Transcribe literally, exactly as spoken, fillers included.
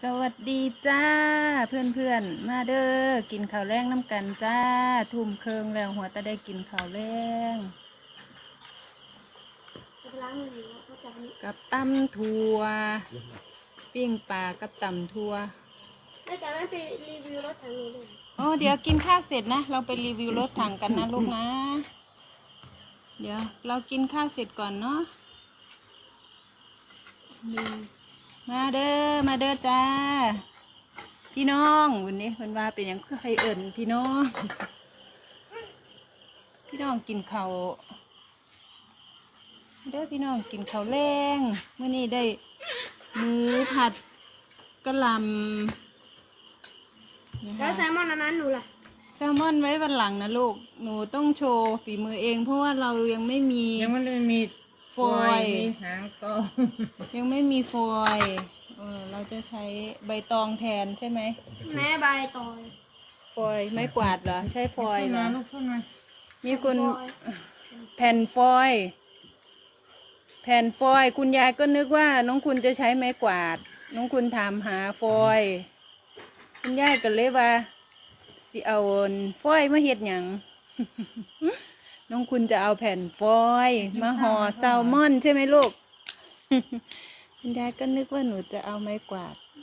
สวัสดีจ้าเพื่อนเพื่อนมาเด้อกินข้าวแรงน้ำกันจ้าทุ่มเคิงแล้วหัวตะได้กินข้าวแรงกับตำถั่วปิ้งปลากับตำถั่วแม่จ๋าไม่ไปรีวิวรถถังนี้เลยโอ้เดี๋ยวกินข้าวเสร็จนะเราไปรีวิวรถถังกันนะลูกนะเดี๋ยวเรากินข้าวเสร็จก่อนเนาะมาเด้อมาเด้อจ้าพี่น้องวันนี้วันว่าเป็นอย่างใครเอิ่นพี่น้องพี่น้องกินข้าวเด้อพี่น้องกินข้าวแรงเมื่อนี้ได้หมูผัดกะหล่ำแล้วแซลมอนอันนั้นหนูล่ะแซลมอนไว้วันหลังนะลูกหนูต้องโชว์ฝีมือเองเพราะว่าเรายังไม่มียังไม่ได้มีฟอยล์มีหางก็ยังไม่มีฟอยล์เออเราจะใช้ใบตองแทนใช่ไหมแม่ใบตอยฟอยล์ไม้กวาดเหรอใช้ฟอยล์เหรอลูกขึ้นมามีคนแผ่นฟอยล์แผ่นฟอยล์คุณยายก็นึกว่าน้องคุณจะใช้ไม้กวาดน้องคุณถามหาฟอยล์คุณยายก็เลยว่าสิเอาฟอยล์มาเฮ็ดหยัง น้องคุณจะเอาแผ่นฟอยล์มาห่อแซลมอนใช่ไหมลูก คุณยายก็นึกว่าหนูจะเอาไม้กวาด